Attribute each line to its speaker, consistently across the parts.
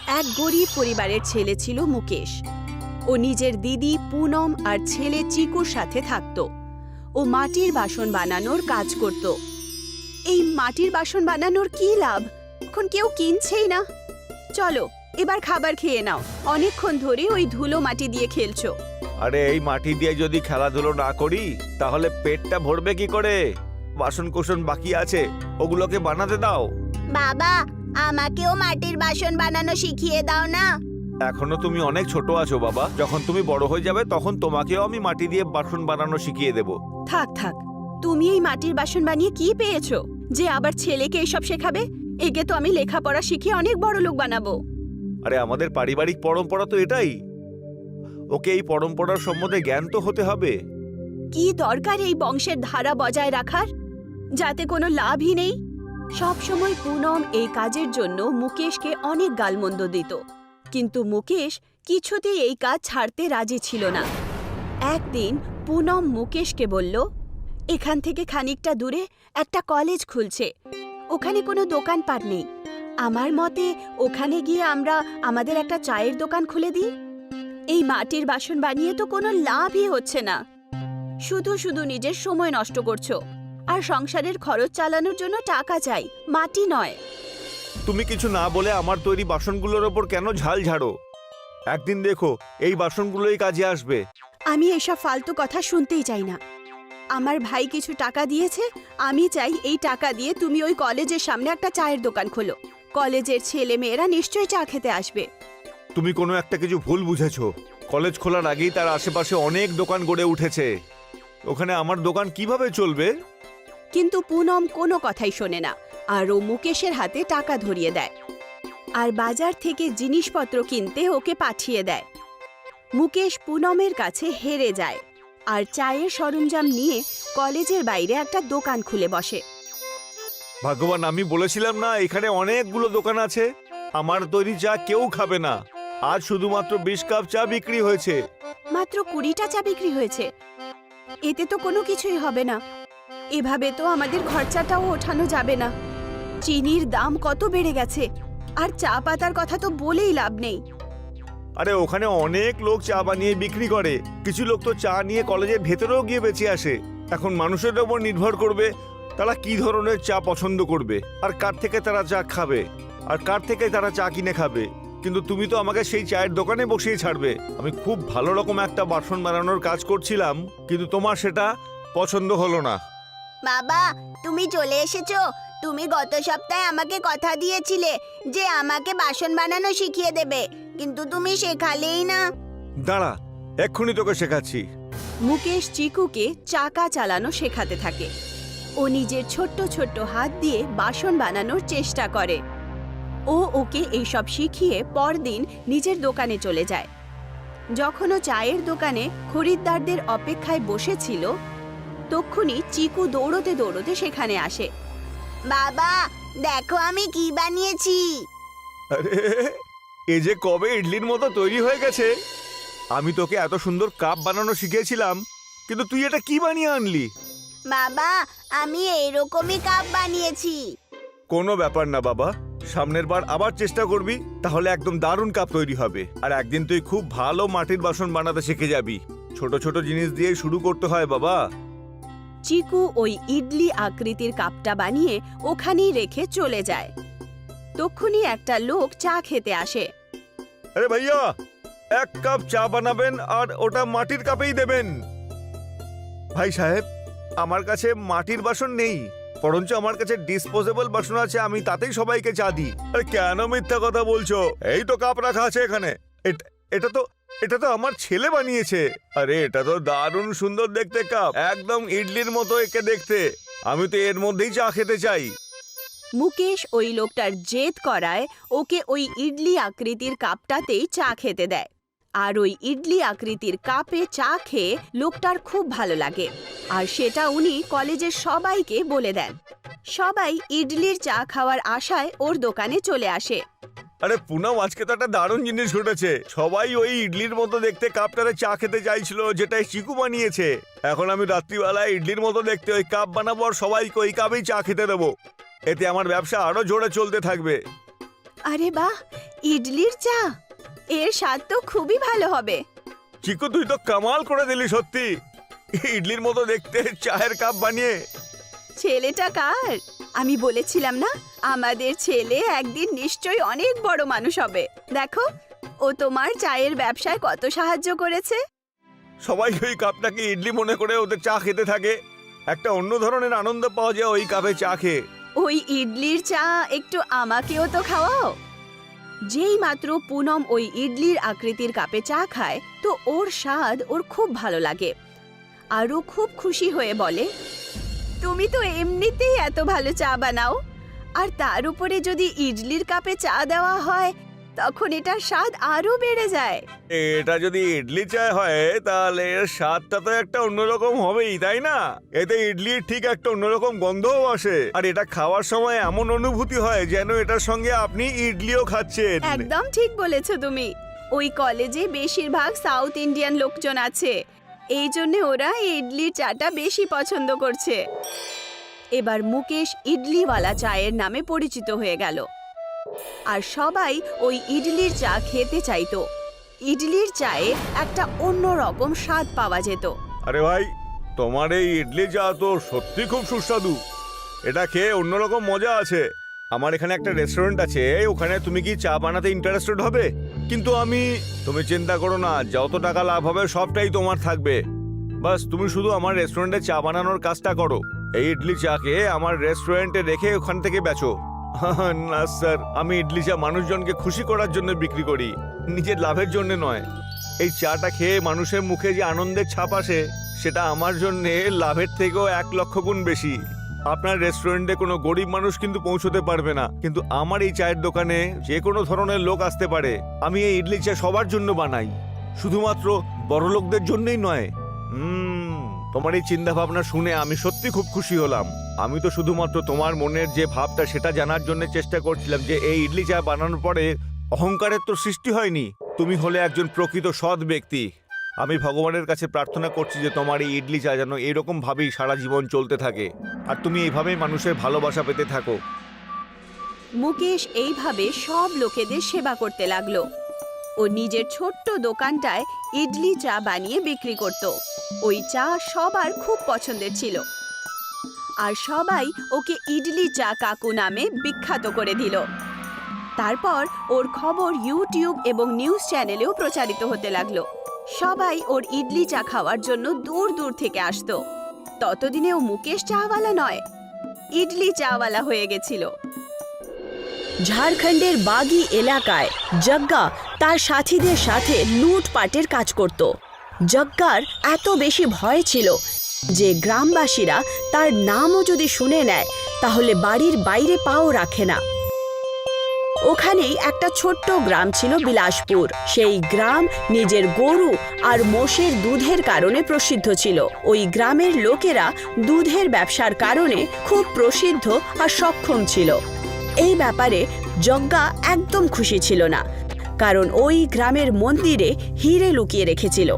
Speaker 1: এক গরিব পরিবারের ছেলে ছিল মুকেশ। ও নিজের দিদি পুনম আর ছেলে চিকুর সাথে থাকত। ও মাটির বাসন বানানোর কাজ করত। এই মাটির বাসন বানানোর কি লাভ? এখন কেউ কিনছেই না। চলো এবার খাবার খেয়ে নাও, অনেকক্ষণ ধরে ওই ধুলো মাটি দিয়ে খেলছো।
Speaker 2: আরে এই মাটি দিয়ে যদি খেলাধুলো না করি তাহলে পেটটা ভরবে কি করে? বাসন কোসন বাকি আছে, ওগুলোকে বানাতে দাও।
Speaker 1: বাবা, আমাকেও মাটির বাসন বানানো শিখিয়ে দাও না।
Speaker 2: এখনো তুমি অনেক ছোট আছো বাবা, যখন তুমি বড় হয়ে যাবে তখন তোমাকেও আমি মাটি দিয়ে বাসন বানানো শিখিয়ে দেব।
Speaker 1: থাক থাক, তুমি এই মাটির বাসন বানিয়ে কি পেয়েছো যে আবার ছেলেকে এসব শেখাবে? একে তো আমি লেখাপড়া শিখিয়ে অনেক বড় লোক বানাবো।
Speaker 2: আরে আমাদের পারিবারিক পরম্পরা তো এটাই, ওকে এই পরম্পরার সম্বন্ধে জ্ঞান তো হতে হবে।
Speaker 1: কি দরকার এই বংশের ধারা বজায় রাখার, যাতে কোনো লাভই নেই? সব সময় পুনম এই কাজের জন্য মুকেশকে অনেক গালমন্দ দিত, কিন্তু মুকেশ কিছুতেই এই কাজ ছাড়তে রাজি ছিল না। একদিন পুনম মুকেশকে বলল, এখান থেকে খানিকটা দূরে একটা কলেজ খুলছে, ওখানে কোনো দোকানপাট নেই। আমার মতে ওখানে গিয়ে আমরা আমাদের একটা চায়ের দোকান খুলে দিই। এই মাটির বাসন বানিয়ে তো কোনো লাভই হচ্ছে না, শুধু শুধু নিজের সময় নষ্ট করছো। আর সংসারের খরচ চালানোর জন্য টাকা চাই, মাটি নয়।
Speaker 2: তুমি কিছু না বলে আমার তৈরি বাসনগুলোর ওপর কেন ঝাল ঝাড়ো? একদিন দেখো এই বাসনগুলোই কাজে আসবে।
Speaker 1: আমি এসব ফালতু কথা শুনতেই চাই না। আমার ভাই কিছু টাকা দিয়েছে, আমি চাই এই টাকা দিয়ে তুমি ওই কলেজের সামনে একটা চায়ের দোকান খোলো। কলেজের ছেলে মেয়েরা নিশ্চয়ই চা খেতে আসবে।
Speaker 2: তুমি কোনো একটা কিছু ভুল বুঝেছো। কলেজ খোলার আগেই তার আশেপাশে অনেক দোকান গড়ে উঠেছে, ওখানে আমার দোকান কিভাবে চলবে?
Speaker 1: কিন্তু পুনম কোনো কথাই শোনে না, আর ও মুকেশের হাতে টাকা ধরিয়ে দেয় আর বাজার থেকে জিনিসপত্র কিনতে ওকে পাঠিয়ে দেয়। মুকেশ পুনমের কাছে হেরে যায় আর চায়ের সরঞ্জাম নিয়ে কলেজের বাইরে একটা দোকান খুলে বসে।
Speaker 2: ভগবান, আমি বলেছিলাম না এখানে অনেকগুলো দোকান আছে, আমার তৈরি চা কেউ খাবে না। আজ শুধুমাত্র 20 কাপ চা বিক্রি হয়েছে।
Speaker 1: মাত্র 20টা চা বিক্রি হয়েছে, এতে তো কোনো কিছুই হবে না। এভাবে তো আমাদের খরচাটাও ওঠানো যাবে না। চিনির দাম কত বেড়ে গেছে, আর চা পাতার কথা তো বলেই লাভ নেই।
Speaker 2: আরে ওখানে অনেক লোক চা বানিয়ে বিক্রি করে, কিছু লোক তো চা নিয়ে কলেজের ভেতরেও গিয়ে বেঁচে আসে। এখন মানুষের ওপর নির্ভর করবে তারা কি ধরনের চা পছন্দ করবে, আর কার থেকে তারা চা খাবে, আর কার থেকে তারা চা কিনে খাবে। কিন্তু তুমি তো আমাকে সেই চায়ের দোকানে বসিয়ে ছাড়বে। আমি খুব ভালো রকম একটা বাসন বানানোর কাজ করছিলাম, কিন্তু তোমার সেটা পছন্দ হলো না।
Speaker 1: বাবা, তুমি চলে এসেছো। তুমি গত সপ্তাহে আমাকে কথা দিয়েছিলে যে আমাকে বাসন বানানো শিখিয়ে দেবে, কিন্তু তুমি শেখালেই না।
Speaker 2: দাঁড়া, এক্ষুনি তোকে শেখাচ্ছি।
Speaker 1: মুকেশ চিকুকে চাকা চালানো শেখাতে থাকে। ও নিজের ছোট্ট ছোট্ট হাত দিয়ে বাসন বানানোর চেষ্টা করে। ও ওকে এইসব শিখিয়ে পরদিন নিজের দোকানে চলে যায়। যখন ও চায়ের দোকানে খরিদ্দারদের অপেক্ষায় বসেছিল, তক্ষুনি চিকু দৌড়তে দৌড়তে সেখানে আসে। বাবা, দেখো আমি কি বানিয়েছি।
Speaker 2: আরে এ যে কবে ইডলির মতো তৈরি হয়ে গেছে। আমি তোকে এত সুন্দর কাপ বানানো শিখিয়েছিলাম, কিন্তু তুই এটা কি বানিয়ে আনলি?
Speaker 1: বাবা, আমি এইরকমই কাপ বানিয়েছি।
Speaker 2: কোনো ব্যাপার না বাবা, সামনের বার আবার চেষ্টা করবি, তাহলে একদম দারুণ কাপ তৈরি হবে। আর একদিন তুই খুব ভালো মাটির বাসন বানাতে শিখে যাবি। ছোট ছোট জিনিস দিয়ে শুরু করতে হয় বাবা।
Speaker 1: চিকু ওই ইডলি আকৃতির কাপটা বানিয়ে ওখানেই রেখে চলে যায়। তক্ষুনি একটা লোক চা খেতে আসে।
Speaker 2: আরে ভাইয়া, 1 কাপ চা বানাবেন আর ওটা মাটির কাপেই দেবেন। ভাই সাহেব, আমার কাছে মাটির বাসন নেই, বরঞ্চ আমার কাছে ডিসপোজেবল বাসন আছে, আমি তাতেই সবাইকে চা দিই। আরে কেন মিথ্যা কথা বলছো? এই তো কাপ রাখা আছে এখানে। এটা তো আমার ছেলে বানিয়েছে। আরে এটা তো দারুণ সুন্দর দেখতে কাপ, একদম ইডলির মতো একে দেখতে। আমি তো এর মধ্যেই চা খেতে চাই।
Speaker 1: মুকেশ ওই লোকটার জেদ করায় ওকে ওই ইডলি আকৃতির কাপটাতেই চা খেতে দেয়। আর ওই ইডলি আকৃতির কাপে চা খেয়ে লোকটার খুব ভালো লাগে, আর সেটা উনি কলেজের সবাইকে বলে দেন। সবাই ইডলির চা খাওয়ার আশায় ওর দোকানে চলে আসে।
Speaker 2: আরে পুনম, আজকে তো একটা দারুণ জিনিস ঘটেছে। সবাই ওই ইডলির মতো দেখতে কাপটাতে চা খেতে চাইছিল, যেটা চিকু বানিয়েছে। এখন আমি রাত্রিবেলায় ইডলির মতো দেখতে ওই কাপ বানাবো আর সবাইকে ওই কাপেই চা খেতে দেবো। এতে আমার ব্যবসা আরো জোরে চলতে থাকবে।
Speaker 1: আরে বাহ, ইডলির চা, এর স্বাদ তো খুবই ভালো হবে।
Speaker 2: চিকু তুই তো কামাল করে দিলি সত্যি, ইডলির মতো দেখতে চায়ের কাপ বানিয়ে।
Speaker 1: ছেলেটা কার? আমি বলেছিলাম না, আমাদের ছেলে একদিন নিশ্চয়ই অনেক বড় মানুষ হবে। দেখো, ও তোমার চায়ের ব্যবসায় কত সাহায্য করেছে।
Speaker 2: সবাই ওই কাপটাকে ইডলি মনে করে ওদের চা খেতে থাকে। একটা অন্য ধরনের আনন্দ পাওয়া যায় ওই কাপে চা খেয়ে।
Speaker 1: ওই ইডলির চা একটু আমাকেও তো খাওয়াও। যেই মাত্র পুনম ওই ইডলির আকৃতির কাপে চা খায়, তো ওর স্বাদ ওর খুব ভালো লাগে। আর ও খুব খুশি হয়ে বলে, তুমি তো এমনিতেই এত ভালো চা বানাও, আর তার উপরে যদি ইডলির কাপে চা দেওয়া হয়, তখন এটার স্বাদ আরো বেড়ে যায়।
Speaker 2: এটা যদি ইডলি চা হয় তাহলে এর স্বাদটা তো একটা অন্যরকম হবেই, তাই না? এতে ইডলির ঠিক একটা অন্যরকম গন্ধও আসে, আর এটা খাওয়ার সময় এমন অনুভূতি হয় যেন এটার সঙ্গে আপনি ইডলিও খাচ্ছেন।
Speaker 1: একদম ঠিক বলেছো তুমি। ওই কলেজে বেশিরভাগ সাউথ ইন্ডিয়ান লোকজন আছে, এই জন্য ওরা ইডলির চাটা বেশি পছন্দ করছে। এবার মুকেশ ইডলিওয়ালা চায়ের নামে পরিচিত হয়ে গেল, আর সবাই ওই ইডলির চা খেতে চাইতো। ইডলির চায়ে একটা অন্যরকম স্বাদ পাওয়া যেত।
Speaker 2: আরে ভাই, তোমার এই ইডলি চা তো সত্যি খুব সুস্বাদু। এটা খেয়ে অন্যরকম মজা আছে। আমার এখানে একটা রেস্টুরেন্ট আছে, ওখানে তুমি কি চা বানাতে ইন্টারেস্টেড হবে? কিন্তু তুমি চিন্তা করো না, যত টাকা লাভ হবে সবটাই তোমার থাকবে। বাস তুমি শুধু আমার রেস্টুরেন্টে চা বানানোর কাজটা করো। এই ইডলি চাকে আমার রেস্টুরেন্টে রেখে ওখান থেকে বেচো। না স্যার, আমি ইডলি চা মানুষজনকে খুশি করার জন্য বিক্রি করি, নিজের লাভের জন্য নয়। এই চাটা খেয়ে মানুষের মুখে যে আনন্দের ছাপ আসে, সেটা আমার জন্য লাভের থেকেও 1,00,000 গুণ বেশি। আপনার রেস্টুরেন্টে কোনো গরিব মানুষ কিন্তু পৌঁছতে পারবে না, কিন্তু আমার এই চায়ের দোকানে যে কোনো ধরনের লোক আসতে পারে। আমি এই ইডলি চা সবার জন্য বানাই, শুধুমাত্র বড়লোকদের জন্যই নয়। তোমার এই চিন্তা ভাবনা শুনে আমি সত্যি খুব খুশি হলাম। আমি তো শুধুমাত্র তোমার মনের যে ভাবটা সেটা জানার জন্য চেষ্টা করছিলাম, যে এই ইডলি চা বানানোর পরে অহংকারের তো সৃষ্টি হয়নি। তুমি হলে একজন প্রকৃত সৎ ব্যক্তি। আমি ভগবানের কাছে প্রার্থনা করছি যে তোমার এই ইডলি চা যেন এরকম ভাবেই সারা জীবন চলতে থাকে, আর তুমি এইভাবেই মানুষের ভালোবাসা পেতে থাকো।
Speaker 1: মুকেশ এইভাবে সব লোকেদের সেবা করতে লাগলো। ও নিজের ছোট্ট দোকানটায় ইডলি চা বানিয়ে বিক্রি করত। ওই চা সবার খুব পছন্দের ছিল, আর সবাই ওকে ইডলি চা কাকু নামে বিখ্যাত করে দিল। তারপর ওর খবর ইউটিউব এবং নিউজ চ্যানেলেও প্রচারিত হতে লাগলো। সবাই ওর ইডলি চা খাওয়ার জন্য দূর দূর থেকে আসতো। ততদিনে ও মুকেশ চাওয়ালা নয়, ইডলি চাওয়ালা হয়ে গেছিল। ঝাড়খণ্ডের বাগি এলাকায় জগ্গা তার সাথীদের সাথে লুটপাটের কাজ করত। জগ্গার এত বেশি ভয় ছিল যে গ্রামবাসীরা তার নামও যদি শুনে নেয় তাহলে বাড়ির বাইরে পাও রাখে না। ওখানেই একটা ছোট্ট গ্রাম ছিল বিলাসপুর। সেই গ্রাম নিজের গরু আর মোষের দুধের কারণে প্রসিদ্ধ ছিল। ওই গ্রামের লোকেরা দুধের ব্যবসার কারণে খুব প্রসিদ্ধ আর সক্ষম ছিল। এই ব্যাপারে জগ্গা একদম খুশি ছিল না, কারণ ওই গ্রামের মন্দিরে হিরে লুকিয়ে রেখেছিল।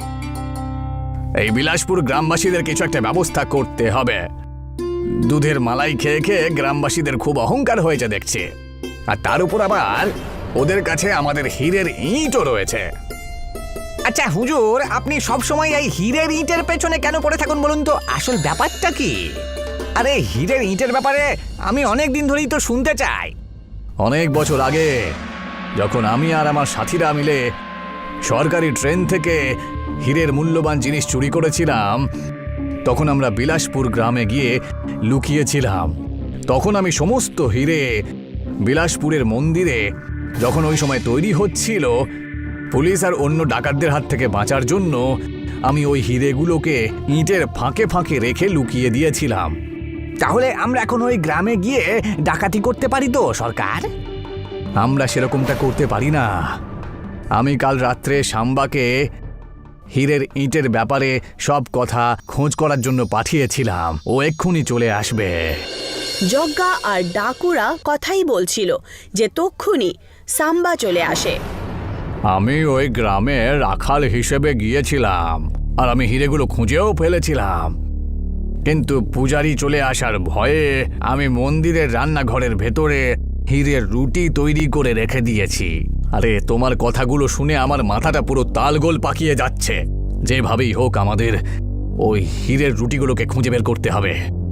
Speaker 3: এই বিলাসপুর গ্রামবাসীদের কিছু একটা ব্যবস্থা করতে হবে। দুধের মালাই খেয়ে খেয়ে গ্রামবাসীদের খুব অহংকার হয়েছে দেখছি, আর তার উপর আবার ওদের কাছে আমাদের হীরের ইঁটও রয়েছে।
Speaker 4: আচ্ছা হুজুর, আপনি সব সময় এই হীরের ইঁটের পেছনে কেন পড়ে থাকুন বলুন তো? আসল ব্যাপারটা কি? আরে হীরের ইঁটের ব্যাপারে আমি অনেক দিন ধরেই তো শুনতে চাই।
Speaker 3: অনেক বছর আগে যখন আমি আর আমার সাথীরা মিলে সরকারি ট্রেন থেকে হীরের মূল্যবান জিনিস চুরি করেছিলাম, তখন আমরা বিলাসপুর গ্রামে গিয়ে লুকিয়েছিলাম। তখন আমি সমস্ত হীরে বিলাসপুরের মন্দিরে যখন ওই সময় তৈরি হচ্ছিল, পুলিশ আর অন্য ডাকাতদের হাত থেকে বাঁচার জন্য আমি ওই হীরেগুলোকে ইঁটের ফাঁকে ফাঁকে রেখে লুকিয়ে দিয়েছিলাম।
Speaker 4: তাহলে আমরা এখন ওই গ্রামে গিয়ে ডাকাতি করতে পারি তো সরকার?
Speaker 3: আমরা সেরকমটা করতে পারি না। আমি কাল রাত্রে সাম্বাকে হীরের ইঁটের ব্যাপারে সব কথা খোঁজ করার জন্য পাঠিয়েছিলাম। ও এক্ষুনি চলে আসবে।
Speaker 1: জগ্গা আর ডাকুরা কথাই বলছিল যে তক্ষুনি সাম্বা চলে আসে।
Speaker 3: আমি ওই গ্রামে রাখাল হিসেবে গিয়েছিলাম, আর আমি হীরেগুলো খুঁজেও ফেলেছিলাম, কিন্তু পূজারি চলে আসার ভয়ে আমি মন্দিরের রান্নাঘরের ভেতরে হীরের রুটি তৈরি করে রেখে দিয়েছি। আরে তোমার কথাগুলো শুনে আমার মাথাটা পুরো তালগোল পাকিয়ে যাচ্ছে। যেভাবেই হোক আমাদের ওই হীরের রুটিগুলোকে খুঁজে বের করতে হবে।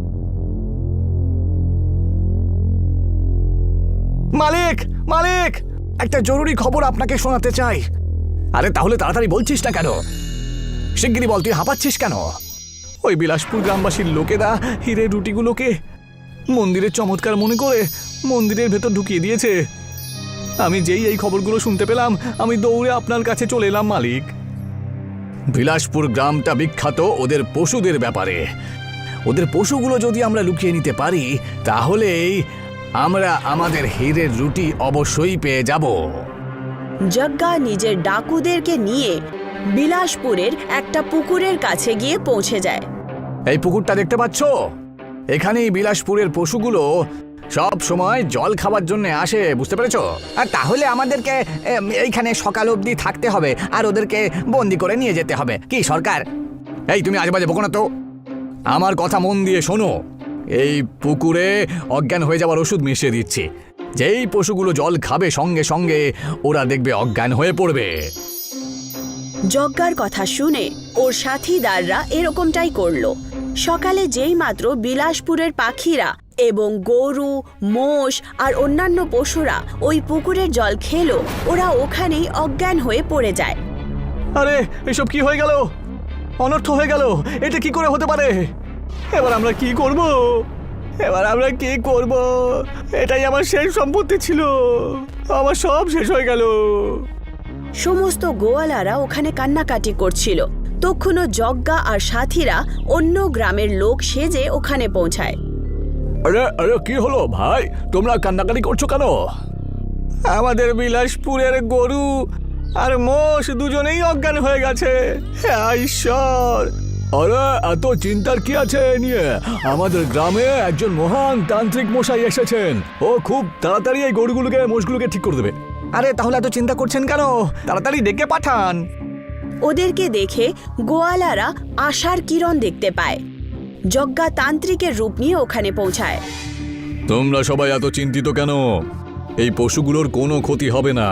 Speaker 3: মালিক, মালিক, একটা জরুরি খবর আপনাকে শোনাতে চাই। আরে তাহলে তাড়াতাড়ি বলছিস না কেন? শিগগিরই বল, তুই হাঁপাচ্ছিস কেন? ওই বিলাসপুর গ্রামবাসীর লোকেরা হীরের রুটিগুলোকে মন্দিরের চমৎকার মনে করে মন্দিরের ভেতর ঢুকিয়ে দিয়েছে। আমি যেই এই খবরগুলো শুনতে পেলাম, আমি দৌড়ে আপনার কাছে চলে এলাম মালিক। বিলাসপুর গ্রামটা বিখ্যাত ওদের পশুদের ব্যাপারে। ওদের পশুগুলো যদি আমরা লুকিয়ে নিতে পারি, তাহলেই আমরা আমাদের হীরের রুটি অবশ্যই পেয়ে যাব।
Speaker 1: যজ্ঞা নিজের ডাকুদেরকে নিয়ে বিলাসপুরের একটা পুকুরের কাছে গিয়ে পৌঁছে যায়।
Speaker 3: এই পুকুরটা দেখতে পাচ্ছ? এখানেই বিলাসপুরের পশুগুলো সব সময় জল খাবার জন্য আসে, বুঝতে পেরেছো?
Speaker 4: আর তাহলে আমাদেরকে এইখানে সকাল অবধি থাকতে হবে আর ওদেরকে বন্দি করে নিয়ে যেতে হবে, কি সরকার?
Speaker 3: এই তুমি আজেবাজে বকো না তো। আমার কথা মন দিয়ে শোনো। এই পুকুরে অজ্ঞান হয়ে যাওয়ার ওষুধ মিশিয়ে দিচ্ছি। যেই পশুগুলো জল খাবে সঙ্গে সঙ্গে ওরা দেখবে অজ্ঞান হয়ে পড়বে।
Speaker 1: যজ্ঞার কথা শুনে ওর সাথীদাররা এরকমটাই করলো। সকালে যেই মাত্র বিলাসপুরের পাখিরা এবং গরু, মোষ আর অন্যান্য পশুরা ওই পুকুরের জল খেলো, ওরা ওখানেই অজ্ঞান হয়ে পড়ে যায়।
Speaker 3: আরে এসব কি হয়ে গেল? অনর্থ হয়ে গেল। এটা কি করে হতে পারে? এবার আমরা কি করব? এটাই আমার শেষ সম্পত্তি ছিল, আমার সব শেষ হয়ে গেল।
Speaker 1: সমস্ত গোয়ালারা ওখানে কান্নাকাটি করছিল। তখনও যজ্ঞা আর সাথীরা অন্য গ্রামের লোক সেজে ওখানে পৌঁছায়।
Speaker 3: আরে আরে কি হলো ভাই, তোমরা কান্নাকাটি করছো কেন? আমাদের বিলাসপুরের গরু আর মোষ দুজনেই অজ্ঞান হয়ে গেছে। হ্যাঁ ঈশ্বর! আরে এত চিন্তার কি আছে নিয়ে? আমাদের গ্রামে একজন মহান তান্ত্রিক মশাই এসেছেন। ও খুব তাড়াতাড়ি এই গরুগুলোকে, মোষগুলোকে ঠিক করে দেবে।
Speaker 4: আরে তাহলে এত চিন্তা করছেন কেন? তাড়াতাড়ি ডেকে পাঠান।
Speaker 1: ওদেরকে দেখে গোয়ালারা আশার কিরণ দেখতে পায়। যজ্ঞা তান্ত্রিকের রূপ নিয়ে ওখানে পৌঁছায়।
Speaker 3: তোমরা সবাই এত চিন্তিত কেন? এই পশুগুলোর কোনো ক্ষতি হবে না।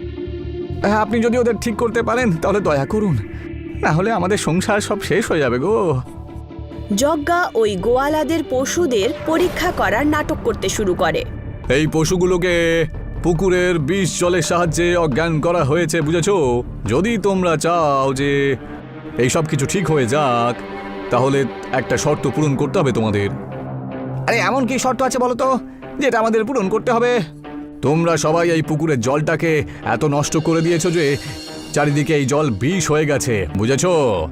Speaker 4: আপনি যদি ওদের ঠিক করতে পারেন তাহলে দয়া করুন, না হলে আমাদের সংসার সব শেষ হয়ে যাবে গো।
Speaker 1: যজ্ঞা ওই গোয়ালাদের পশুদের পরীক্ষা করার নাটক করতে শুরু করে।
Speaker 3: এই পশুগুলোকে পুকুরের বিষ জলের সাহায্যে অজ্ঞান করা হয়েছে, বুঝেছো? যদি তোমরা চাও যে এই সব কিছু ঠিক হয়ে যাক, তাহলে একটা শর্ত পূরণ করতে হবে তোমাদের।
Speaker 4: আরে এমন কি শর্ত আছে বলো তো, যেটা আমাদের পূরণ করতে হবে?
Speaker 3: তোমরা সবাই এই পুকুরের জলটাকে এত নষ্ট করে দিয়েছো যে চারিদিকে এই জল বিষ হয়ে গেছে, বুঝেছো?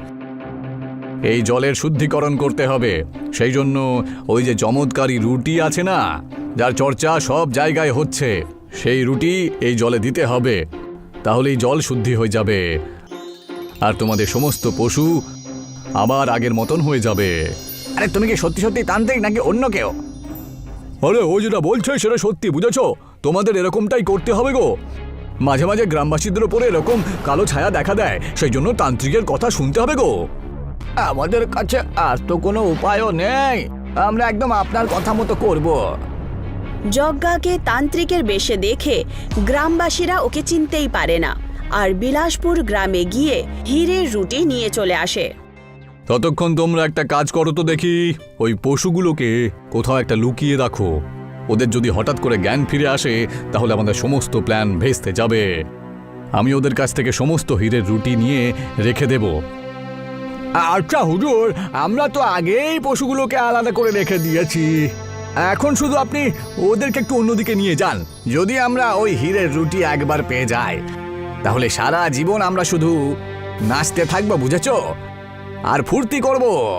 Speaker 3: এই জলের শুদ্ধিকরণ করতে হবে। সেই জন্য ওই যে চমৎকারী রুটি আছে না, যার চর্চা সব জায়গায় হচ্ছে, সেই রুটি এই জলে দিতে হবে। তাহলেই জল শুদ্ধি হয়ে যাবে আর তোমাদের সমস্ত পশু আবার আগের মতন হয়ে যাবে।
Speaker 4: আরে তুমি কি সত্যি সত্যি তান্ত্রিক নাকি অন্য কেউ?
Speaker 3: আরে ও যেটা বলছে সেটা সত্যি, বুঝেছো? তোমাদের এরকমটাই করতে হবে গো। মাঝে মাঝে গ্রামবাসীদের উপরে এরকম কালো ছায়া দেখা দেয়, সেই জন্য তান্ত্রিকের কথা শুনতে হবে গো।
Speaker 4: আমাদের কাছে আর তো কোনো উপায়ও নেই, আমরা একদম আপনার কথা মতো করব।
Speaker 1: যজ্ঞাকে তান্ত্রিকের বেশে দেখে গ্রামবাসীরা ওকে চিনতেই পারে না, আর বিলাসপুর গ্রামে গিয়ে হীরের রুটি নিয়ে চলে আসে।
Speaker 3: ততক্ষণ তোমরা একটা কাজ করো তো দেখি, ওই পশুগুলোকে কোথাও একটা লুকিয়ে রাখো। ওদের যদি হঠাৎ করে জ্ঞান ফিরে আসে, তাহলে আমাদের সমস্ত প্ল্যান ভেস্তে যাবে। আমি ওদের কাছ থেকে সমস্ত হীরের রুটি নিয়ে রেখে দেব।
Speaker 4: আচ্ছা হুজুর, আমরা তো আগেই পশুগুলোকে আলাদা করে রেখে দিয়েছি,
Speaker 3: এখন শুধু আপনি ওদেরকে একটু অন্যদিকে নিয়ে যান।
Speaker 4: যদি আমরা ওই হীরের রুটি একবার পেয়ে যাই, তাহলে সারা জীবন আমরা শুধু নাচতে থাকবো, বুঝেছো? আর ফুর্তি করব।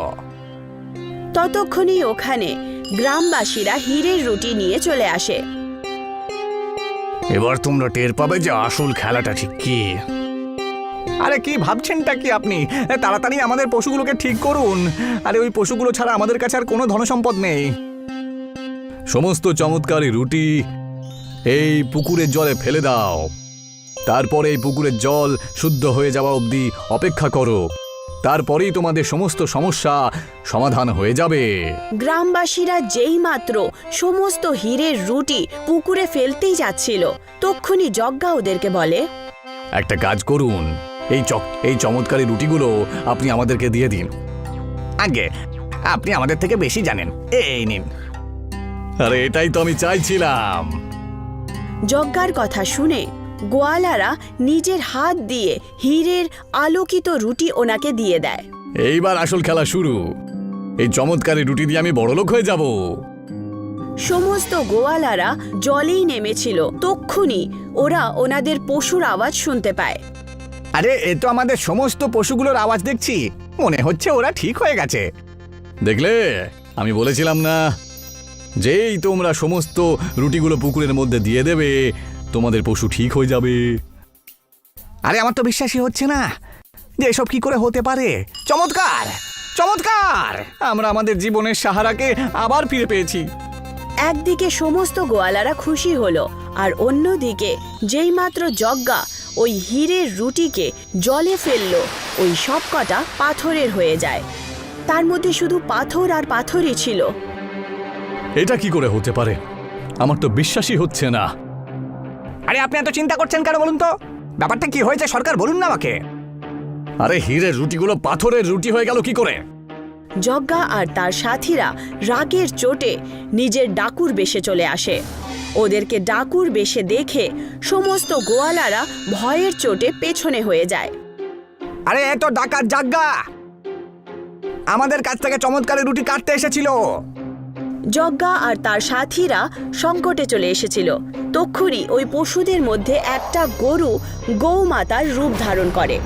Speaker 1: ততক্ষণই ওখানে গ্রামবাসীরা হীরের রুটি নিয়ে চলে আসে।
Speaker 3: এবার তোমরা টের পাবে যে আসল খেলাটা ঠিক কি।
Speaker 4: আরে কি ভাবছেনটা কি আপনি? তাড়াতাড়ি আমাদের পশুগুলোকে ঠিক করুন। আরে ওই পশুগুলো ছাড়া আমাদের কাছে আর কোনো ধনসম্পদ নেই।
Speaker 3: সমস্ত চমৎকারী রুটি এই পুকুরের জলে ফেলে দাও। তারপরে এই পুকুরের জল শুদ্ধ হয়ে যাওয়া অবধি অপেক্ষা করো। তারপরেই তোমাদের সমস্ত সমস্যা সমাধান হয়ে যাবে।
Speaker 1: গ্রামবাসীরা যেইমাত্র সমস্ত হীরের রুটি পুকুরে ফেলতেই যাচ্ছিল, তক্ষুনি যজ্ঞা ওদেরকে বলে,
Speaker 3: একটা কাজ করুন, এই চমৎকারী রুটিগুলো আপনি আমাদেরকে দিয়ে দিন।
Speaker 4: আগে আপনি আমাদের থেকে বেশি জানেন, এই নিন।
Speaker 3: আরে এটাই তো আমি চাইছিলাম।
Speaker 1: যজ্ঞার কথা শুনে গোয়ালারা নিজের হাত দিয়ে হীরের আলোকিত রুটি ওনাকে দিয়ে দেয়।
Speaker 3: এইবার আসল খেলা শুরু। এই চমৎকারী রুটি দিয়ে আমি বড়লোক হয়ে যাব।
Speaker 1: সমস্ত গোয়ালারা জলেই নেমেছিল, তক্ষুনি ওরা ওনাদের পশুর আওয়াজ শুনতে পায়।
Speaker 4: আরে এ তো আমাদের সমস্ত পশুগুলোর আওয়াজ দেখছি, মনে হচ্ছে ওরা ঠিক হয়ে গেছে।
Speaker 3: দেখলে, আমি বলেছিলাম না, যেই তোমরা সমস্ত রুটিগুলো পুকুরের মধ্যে দিয়ে দেবে তোমাদের পশু ঠিক হয়ে যাবে।
Speaker 4: আরে আমার তো বিশ্বাসই হচ্ছে না যে এসব কি করে হতে পারে। চমৎকার, চমৎকার! আমরা আমাদের জীবনের সাহারাকে আবার ফিরে পেয়েছি।
Speaker 1: একদিকে সমস্ত গোয়ালারা খুশি হলো, আর অন্যদিকে যেইমাত্র যজ্ঞা ওই হীরের রুটিকে জলে ফেললো, ওই সব কটা পাথরের হয়ে যায়। তার মধ্যে শুধু পাথর আর পাথরই ছিল।
Speaker 3: এটা কি করে হতে পারে? আমার তো বিশ্বাসই হচ্ছে না।
Speaker 4: আরে আপনি এত চিন্তা করছেন কেন বলুন তো? ব্যাপারটা কি হয়েছে সরকার, বলুন না আমাকে।
Speaker 3: আরে হীরের রুটিগুলো পাথরের রুটি হয়ে গেল কি করে?
Speaker 1: যজ্ঞা আর তার সাথীরা রাগের চোটে নিজের ডাকুর বেশে চলে আসে। ওদেরকে ডাকুর বেশে দেখে সমস্ত গোয়ালারা ভয়ের চোটে পেছনে হয়ে যায়।
Speaker 4: আরে এ তো ডাকাত যজ্ঞা, আমাদের কাছ থেকে চমৎকারী রুটি কাটতে এসেছিল।
Speaker 1: যজ্ঞা আর তার সাথীরা সংকটে চলে এসেছিল। তক্ষুনি ওই পশুদের মধ্যে একটা গরু গৌমাতার রূপ ধারণ করে।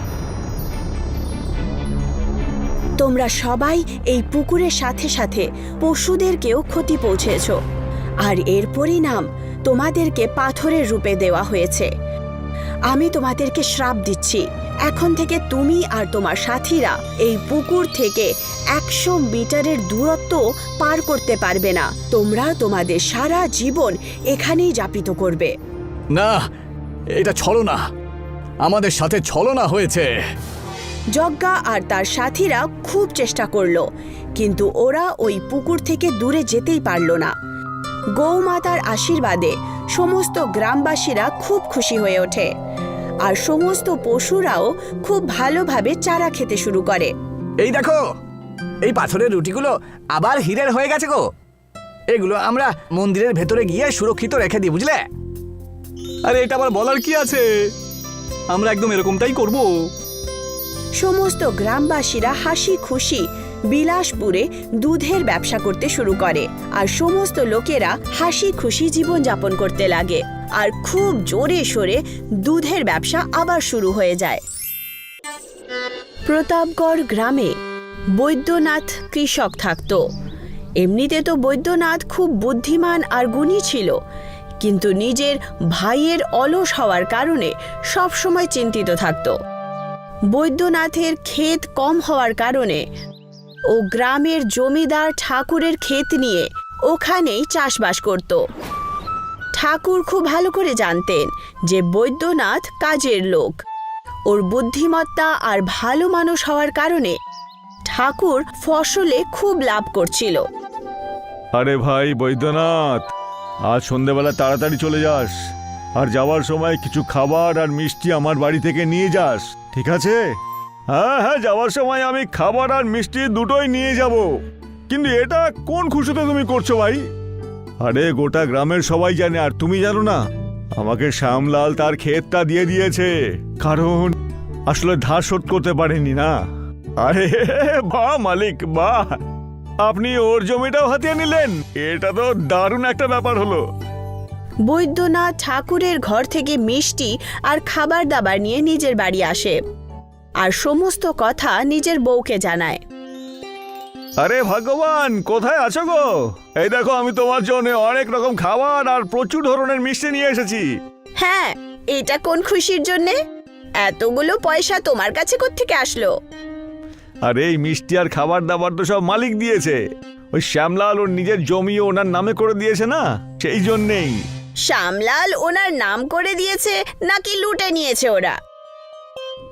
Speaker 1: তোমরা সবাই এই পুকুরের সাথে সাথে পশুদেরকেও ক্ষতি পৌঁছেছ, আর এর পরিণাম তোমাদেরকে পাথরের রূপে দেওয়া হয়েছে। আমি তোমাদেরকে শ্রাপ দিচ্ছি, এখন থেকে তুমি আর তোমার সাথীরা এই পুকুর থেকে 100 মিটারের দূরত্ব পার করতে পারবে না। তোমরা তোমাদের সারা জীবন এখানেই যাপিত করবে।
Speaker 3: না, এটা ছলনা, আমাদের সাথে ছলনা হয়েছে।
Speaker 1: যজ্ঞা আর তার সাথীরা খুব চেষ্টা করলো, কিন্তু ওরা ওই পুকুর থেকে দূরে যেতেই পারল না। গৌমাতার আশীর্বাদে সমস্ত গ্রামবাসীরা খুব খুশি হয়ে ওঠে, আর সমস্ত পশুরাও খুব ভালোভাবে চারা খেতে শুরু করে।
Speaker 4: এই দেখো, এই পাথরের রুটিগুলো আবার হীরের হয়ে গেছে গো। এগুলো আমরা মন্দিরের ভেতরে গিয়ে সুরক্ষিত রেখে দিই, বুঝলে?
Speaker 3: আরে এটা আবার বলার কি আছে, আমরা একদম এরকমটাই করব।
Speaker 1: সমস্ত গ্রামবাসীরা হাসি খুশি বিলাসপুরে দুধের ব্যবসা করতে শুরু করে, আর সমস্ত লোকেরা হাসি খুশি জীবনযাপন করতে লাগে, আর খুব জোরে সোরে দুধের ব্যবসা আবার শুরু হয়ে যায়। প্রতাপগড় গ্রামে বৈদ্যনাথ কৃষক থাকত। এমনিতে তো বৈদ্যনাথ খুব বুদ্ধিমান আর গুণী ছিল, কিন্তু নিজের ভাইয়ের অলস হওয়ার কারণে সবসময় চিন্তিত থাকত। বৈদ্যনাথের ক্ষেত কম হওয়ার কারণে ও গ্রামের জমিদার ঠাকুরের ক্ষেত নিয়ে ওখানেই চাষবাস করত। ঠাকুর খুব ভালো করে জানতেন যে বৈদ্যনাথ কাজের লোক। ওর বুদ্ধিমত্তা আর ভালো মানুষ হওয়ার কারণে ঠাকুর ফসলে খুব লাভ করছিল।
Speaker 2: আরে ভাই বৈদ্যনাথ, আজ সন্ধেবেলা তাড়াতাড়ি চলে যাস, আর যাওয়ার সময় কিছু খাবার আর মিষ্টি আমার বাড়ি থেকে নিয়ে যাস, ঠিক আছে? হ্যাঁ হ্যাঁ, যাওয়ার সময় আমি খাবার আর মিষ্টি দুটোই নিয়ে যাব। কিন্তু এটা কোন খুশিতে তুমি করছো ভাই? আরে গোটা গ্রামের সবাই জানে, আর তুমি জানো না, আমাকে শ্যামলাল তার ক্ষেতটা দিয়ে দিয়েছে, কারণ আসলে ধার শোধ করতে পারেনি না। আরে বাহ মালিক, বাহ, আপনি ওর জমিটাও হাতিয়ে নিলেন, এটা তো দারুণ একটা ব্যাপার হলো।
Speaker 1: বৈদ্যনাথ ঠাকুরের ঘর থেকে মিষ্টি আর খাবার দাবার নিয়ে নিজের বাড়ি আসে, আর সমস্ত কথা নিজের বউকে জানায়।
Speaker 2: আরে ভগবান, কোথায় আছো গো? এই দেখো, আমি তোমার জন্য অনেক রকম খাবার আর প্রচুর ধরনের মিষ্টি নিয়ে এসেছি।
Speaker 1: হ্যাঁ, এটা কোন খুশির জন্যে? এতগুলো পয়সা তোমার কাছে কোত্থেকে আসলো?
Speaker 2: আরে এই মিষ্টি আর খাবার দাবার তো সব মালিক দিয়েছে, ওই শ্যামলাল ওর নিজের জমি ওনার নামে করে দিয়েছে না, সেই জন্যেই।
Speaker 1: শ্যামলাল ওনার নাম করে দিয়েছে নাকি লুটে নিয়েছে ওরা?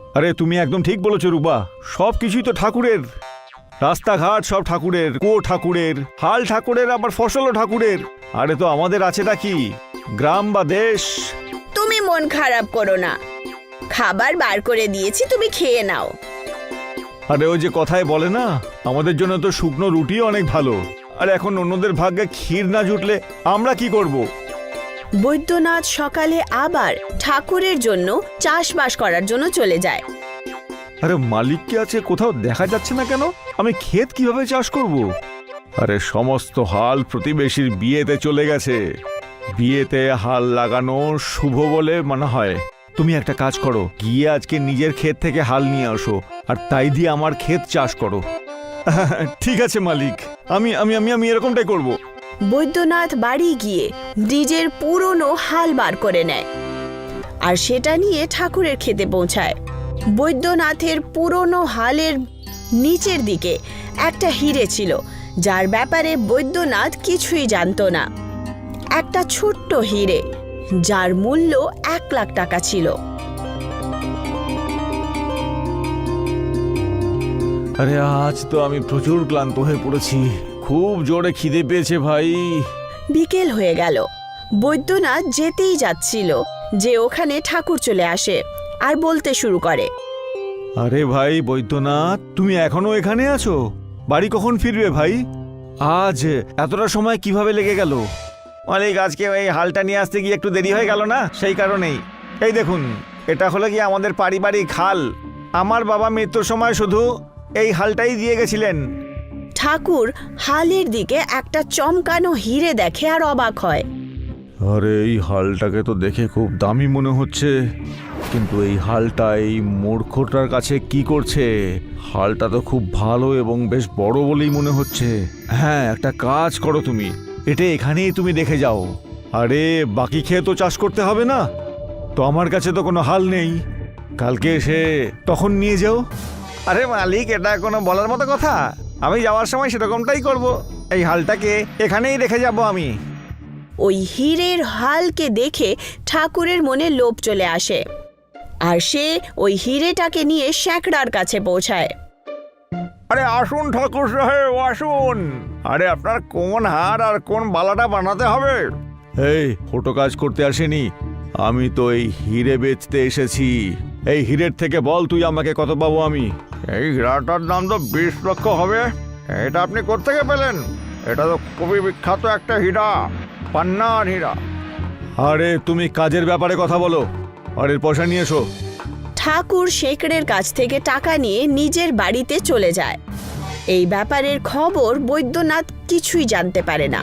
Speaker 2: আরে তুমি একদম ঠিক বলেছো রূপা, সব কিছুই তো ঠাকুরের। রাস্তাঘাট সব ঠাকুরের, কুয়ো ঠাকুরের, হাল ঠাকুরের, আবার ফসলও ঠাকুরের। আরে তো আমাদের আছেটা কি? গ্রাম বা দেশ।
Speaker 1: তুমি মন খারাপ করো না, খাবার বার করে দিয়েছি, তুমি খেয়ে নাও।
Speaker 2: আরে ওই যে কথায় বলে না, আমাদের জন্য তো শুকনো রুটি অনেক ভালো। আর এখন অন্যদের ভাগ্যে ক্ষীর না জুটলে আমরা কি করব?
Speaker 1: বৈদ্যনাথ সকালে আবার ঠাকুরের জন্য চাষবাস করার জন্য চলে যায়।
Speaker 2: আরে মালিক কি আছে, কোথাও দেখা যাচ্ছে না কেন? আমি ক্ষেত কিভাবে চাষ করব? আরে সমস্ত হাল প্রতিবেশীর বিয়েতে চলে গেছে। বিয়েতে হাল লাগানো শুভ বলে মনে হয়। তুমি একটা কাজ করো, গিয়ে আজকে নিজের ক্ষেত থেকে হাল নিয়ে আসো, আর তাই দিয়ে আমার ক্ষেত চাষ করো। ঠিক আছে মালিক, আমি আমি আমি আমি এরকমটাই করব।
Speaker 1: বৈদ্যনাথ বাড়ি গিয়ে নিজের পুরনো হাল বার করে নেয় আর সেটা নিয়ে ঠাকুরের ক্ষেতে পৌঁছায়। বৈদ্যনাথের পুরনো হালের নিচের দিকে একটা হিরে ছিল, যার ব্যাপারে বৈদ্যনাথ কিছুই জানতো না। একটা ছোট্ট হিরে, যার মূল্য 1,00,000 টাকা ছিল।
Speaker 2: আরে আজ তো আমি প্রচুর ক্লান্ত হয়ে পড়েছি, খুব জোরে খিদে পেয়েছে ভাই।
Speaker 1: বিকেল হয়ে গেল। বৈদ্যনাথ যেতেই যাচ্ছিল যে ওখানে ঠাকুর চলে আসে আর বলতে শুরু করে,
Speaker 2: আরে ভাই বৈদ্যনাথ, তুমি এখনো এখানে আছো? বাড়ি কখন ফিরবে ভাই? আজ এতটা সময় কিভাবে লেগে গেল? মালিক, আজকে ওই হালটা নিয়ে আসতে গিয়ে একটু দেরি হয়ে গেল না, সেই কারণেই। এই দেখুন, এটা হলো কি আমাদের পারিবারিক হাল। আমার বাবা মৃত্যুর সময় শুধু এই হালটাই দিয়ে গেছিলেন।
Speaker 1: ঠাকুর হালের দিকে একটা চমকানো হিরে দেখে আর অবাক হয়।
Speaker 2: আরে এই হালটাকে তো দেখে খুব দামি মনে হচ্ছে, কিন্তু এই হালটা এই মূর্খটার কাছে কি করছে? হালটা তো খুব ভালো এবং বেশ বড় বলেই মনে হচ্ছে। হ্যাঁ, একটা কাজ করো, তুমি এটা এখানেই তুমি দেখে যাও। আরে বাকি খেয়ে তো চাষ করতে হবে না, তো আমার কাছে তো কোনো হাল নেই, কালকে এসে তখন নিয়ে যাও। আরে মালিক, এটা কোনো বলার মতো কথা? আমি যাওয়ার সময় সেরকমটাই করব। এই হালটাকে এখানেই রেখে যাব আমি।
Speaker 1: ওই হীরের হালকে দেখে ঠাকুরের মনে লোভ চলে আসে আর সে ওই হিরেটাকে নিয়ে শ্যাকরার কাছে পৌঁছায়।
Speaker 2: আরে আসুন ঠাকুর সাহেব, আসুন। আরে আপনার কোন হার আর কোন বালাটা বানাতে হবে? এই ফটো কাজ করতে আসেনি, আমি তো এই হিরে বেচতে এসেছি। এই হিরের থেকে বল তুই আমাকে কত পাবো আমি? এই হীরাটার দাম তো 20 লক্ষ হবে। এটা আপনি কোত্থেকে পেলেন? এটা তো খুবই বিখ্যাত একটা হীরা, পান্নার হীরা। আরে তুমি কাজের ব্যাপারে কথা বলো, আর এর পয়সা নিয়ে এসো।
Speaker 1: ঠাকুর শেখরের কাছ থেকে টাকা নিয়ে নিজের বাড়িতে চলে যায়। এই ব্যাপারের খবর বৈদ্যনাথ কিছুই জানতে পারে না।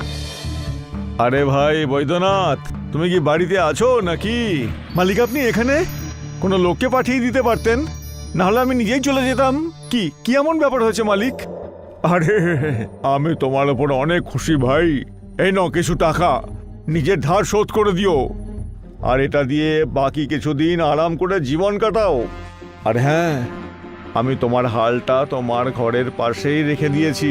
Speaker 2: আরে ভাই বৈদ্যনাথ, তুমি কি বাড়িতে আছো নাকি? মালিক, আপনি এখানে? কোনো লোককে পাঠিয়ে দিতে পারতেন, না হলে আমি নিজেই চলে যেতাম। কি কি এমন ব্যাপার হয়েছে মালিক? আরে আমি তোমার ওপর অনেক খুশি ভাই। এই নাও কিছু টাকা, নিজের ধার শোধ করে দিও, আর এটা দিয়ে বাকি কিছুদিন আরাম করে জীবন কাটাও। আর হ্যাঁ, আমি তোমার হালটা তোমার ঘরের পাশেই রেখে দিয়েছি।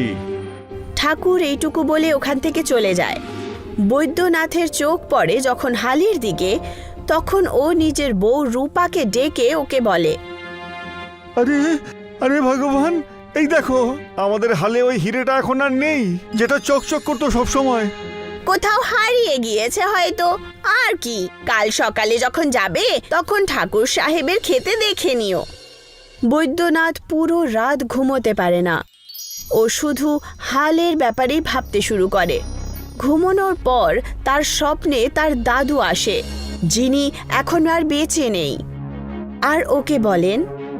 Speaker 1: ঠাকুর এইটুকু বলে ওখান থেকে চলে যায়। বৈদ্যনাথের চোখ পড়ে যখন হালের দিকে, তখন ও নিজের বউ রূপাকে ডেকে ওকে বলে,
Speaker 2: আরে আরে ভগবান, এই দেখো, আমাদের হালে ওই হিরেটা এখন আর নেই, যেটা চকচক করতো সব সময়।
Speaker 1: কোথাও হারিয়ে গিয়েছে হয়তো। আর কি, কাল সকালে যখন যাবে তখন ঠাকুর সাহেবের খেতে দেখে নিও। বৈদ্যনাথ পুরো রাত ঘুমোতে পারে না। ও শুধু হালের ব্যাপারেই ভাবতে শুরু করে। ঘুমানোর পর তার স্বপ্নে তার দাদু আসে, যিনি এখন আর বেঁচে নেই, আর ওকে বলেন,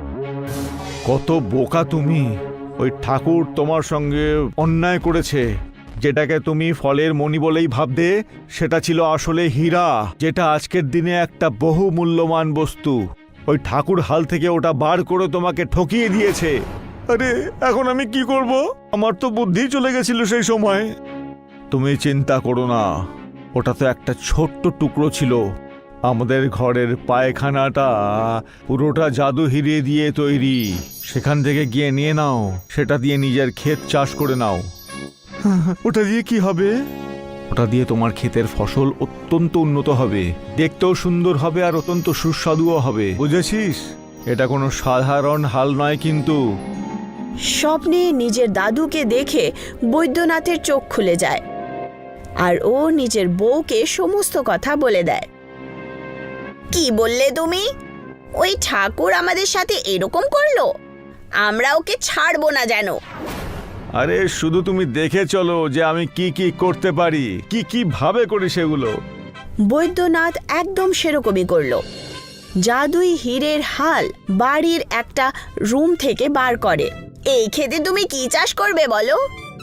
Speaker 2: কত বোকা তুমি! ওই ঠাকুর তোমার সঙ্গে অন্যায় করেছে। যেটাকে তুমি ফলের মণি বলেই ভাবতে, সেটা ছিল আসলে হীরা, যেটা আজকের দিনে একটা বহু মূল্যবান বস্তু। ওই ঠাকুর হাল থেকে ওটা বার করে তোমাকে ঠকিয়ে দিয়েছে। আরে এখন আমি কি করব? আমার তো বুদ্ধি চলে গেছিল সেই সময়। তুমি চিন্তা করো না, ওটা তো একটা ছোট্ট টুকরো ছিল। আমাদের ঘরের পায়খানাটা পুরোটা জাদু হিরে দিয়ে তৈরি। সেখান থেকে গিয়ে নিয়ে নাও, সেটা দিয়ে নিজের ক্ষেত চাষ করে নাও। ওটা দিয়ে কি হবে? ওটা দিয়ে তোমার ক্ষেতের ফসল অত্যন্ত উন্নত হবে, দেখতেও সুন্দর হবে, আর অত্যন্ত সুস্বাদুও হবে, বুঝেছিস? এটা কোনো সাধারণ হাল নয় কিন্তু।
Speaker 1: স্বপ্নে নিজের দাদুকে দেখে বৈদ্যনাথের চোখ খুলে যায় আর ও নিজের বউকে সমস্ত কথা বলে দেয়। কি বললে তুমি? ওই ঠাকুর আমাদের সাথে এরকম করলো? আমরা ওকে ছাড়বো না যেন।
Speaker 2: আরে শুধু তুমি দেখে চলো যে আমি কি কি করতে পারি, কি কি ভাবে করি সেগুলো।
Speaker 1: বৈদ্যনাথ একদম সেরকমই করলো। জাদুই হীরের হাল বাড়ির একটা রুম থেকে বার করে। এই ক্ষেতে তুমি কি চাষ করবে বলো?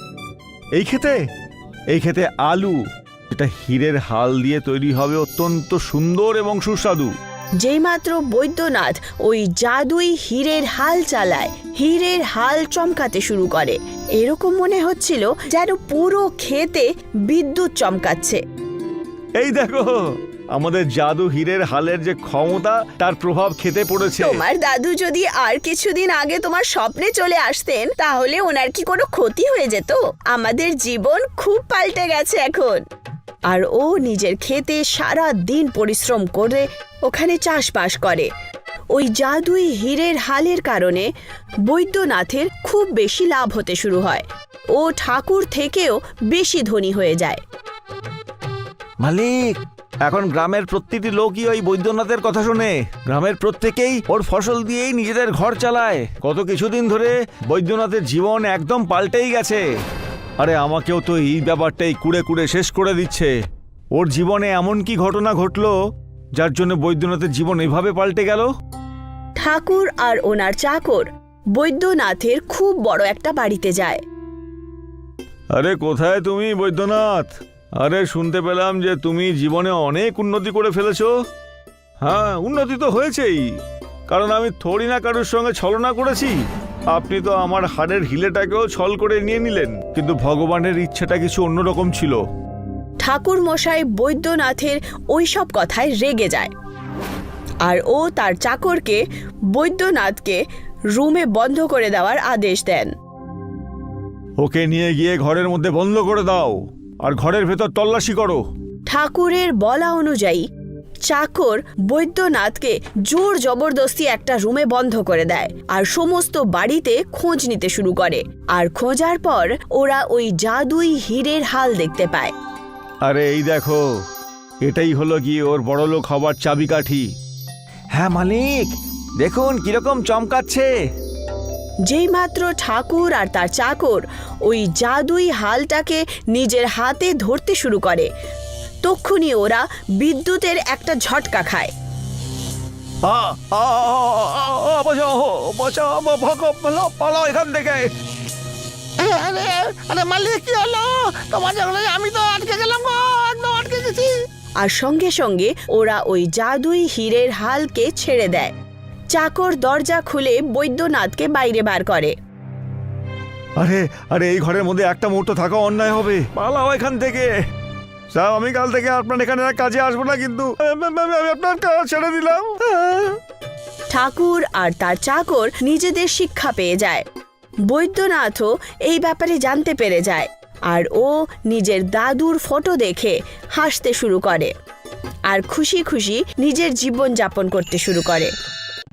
Speaker 2: এই ক্ষেতে আলু, এটা হীরের হাল দিয়ে তৈরি হবে, অত্যন্ত সুন্দর এবং সুস্বাদু।
Speaker 1: যেইমাত্র বৈদ্যনাথ ওই জাদুই হীরের হাল চালায়, হীরের হাল চমকাতে শুরু করে। এরকম মনে হচ্ছিল যেন পুরো ক্ষেতে বিদ্যুৎ চমকাচ্ছে।
Speaker 2: এই দেখো, আমাদের জাদু হীরের হালের যে ক্ষমতা, তার প্রভাব খেতে পড়েছে।
Speaker 1: তোমার দাদু যদি আর কিছুদিন আগে তোমার স্বপ্নে চলে আসতেন তাহলে ওনার কি কোনো ক্ষতি হয়ে যেত? আমাদের জীবন খুব পাল্টে গেছে এখন। আর ও নিজের ক্ষেতে সারা দিন পরিশ্রম করে ওখানে চাষবাস করে। ওই জাদুই হীরের হালের কারণে বৈদ্যনাথের খুব বেশি লাভ হতে শুরু হয়। ও ঠাকুর থেকেও বেশি ধনী হয়ে যায়।
Speaker 2: মালিক, এখন গ্রামের প্রতিটি লোকই ওই বৈদ্যনাথের কথা শোনে। গ্রামের প্রত্যেকেই ওর ফসল দিয়েই নিজেদের ঘর চালায়। গত কিছুদিন ধরে বৈদ্যনাথের জীবন একদম পাল্টেই গেছে। আরে আমাকেও তো এই ব্যাপারটাই কুড়ে কুড়ে শেষ করে দিচ্ছে। ওর জীবনে এমন কি ঘটনা ঘটলো যার জন্য বৈদ্যনাথের জীবন এভাবে পাল্টে গেল?
Speaker 1: ঠাকুর আর ওনার চাকর বৈদ্যনাথের খুব বড় একটা বাড়িতে যায়।
Speaker 2: আরে কোথায় তুমি বৈদ্যনাথ? আরে শুনতে পেলাম যে তুমি জীবনে অনেক উন্নতি করে ফেলেছো। হ্যাঁ, উন্নতি তো হয়েছেই, কারণ আমি থোড়ি না কারোর সঙ্গে ছলনা করেছি। আপনি তো আমার হাড়ের হিলেটাকেও ছল করে নিয়ে নিলেন, কিন্তু ভগবানের ইচ্ছেটা কিছু অন্যরকম ছিল।
Speaker 1: ঠাকুর মশাই বৈদ্যনাথের ওইসব কথায় রেগে যায় আর ও তার চাকরকে বৈদ্যনাথকে রুমে বন্ধ করে দেওয়ার আদেশ দেন।
Speaker 2: ওকে নিয়ে গিয়ে ঘরের মধ্যে বন্ধ করে দাও আর ঘরের ভেতর তল্লাশি করো।
Speaker 1: ঠাকুরের বলা অনুযায়ী চাকর বৈদ্যনাথকে জোর জবরদস্তি একটা রুমে বন্ধ করে দেয় আর সমস্ত বাড়িতে খোঁজ নিতে শুরু করে। আর খোঁজার পর ওরা ওই জাদুই হীরের হাল দেখতে পায়।
Speaker 2: আরে এই দেখো, এটাই হলো গিয়ে ওর বড়লোক হবার চাবিকাঠি।
Speaker 4: হ্যাঁ মালিক, দেখুন কিরকম চমকাচ্ছে।
Speaker 1: যেইমাত্র ঠাকুর আর তার চাকর ওই জাদুই হালটাকে নিজের হাতে ধরতে শুরু করে তক্ষুনি ওরা বিদ্যুতের একটা ঝটকা খায়।
Speaker 2: পালাও এখান থেকে।
Speaker 5: আরে মালিক, কি হলো তোমার? আমি তো আটকে গেলাম গো, একদম আটকে গেছি।
Speaker 1: আর সঙ্গে সঙ্গে ওরা ওই জাদুই হীরের হালকে ছেড়ে দেয়। চাকর দরজা খুলে বৈদ্যনাথকে বাইরে বার করে।
Speaker 2: আরে আরে এই ঘরের মধ্যে একটা মুহূর্ত থাকা অন্যায় হবে। পালাও এখান থেকে। সাহেব, আমি কাল থেকে আপনার এখানে আর কাজে আসবো না, কিন্তু আমি আপনার কাজ ছেড়ে দিলাম।
Speaker 1: ঠাকুর আর তার চাকর নিজেদের শিক্ষা পেয়ে যায়। বৈদ্যনাথও এই ব্যাপারে জানতে পেরে যায় আর ও নিজের দাদুর ফটো দেখে হাসতে শুরু করে আর খুশি খুশি নিজের জীবন যাপন করতে শুরু করে।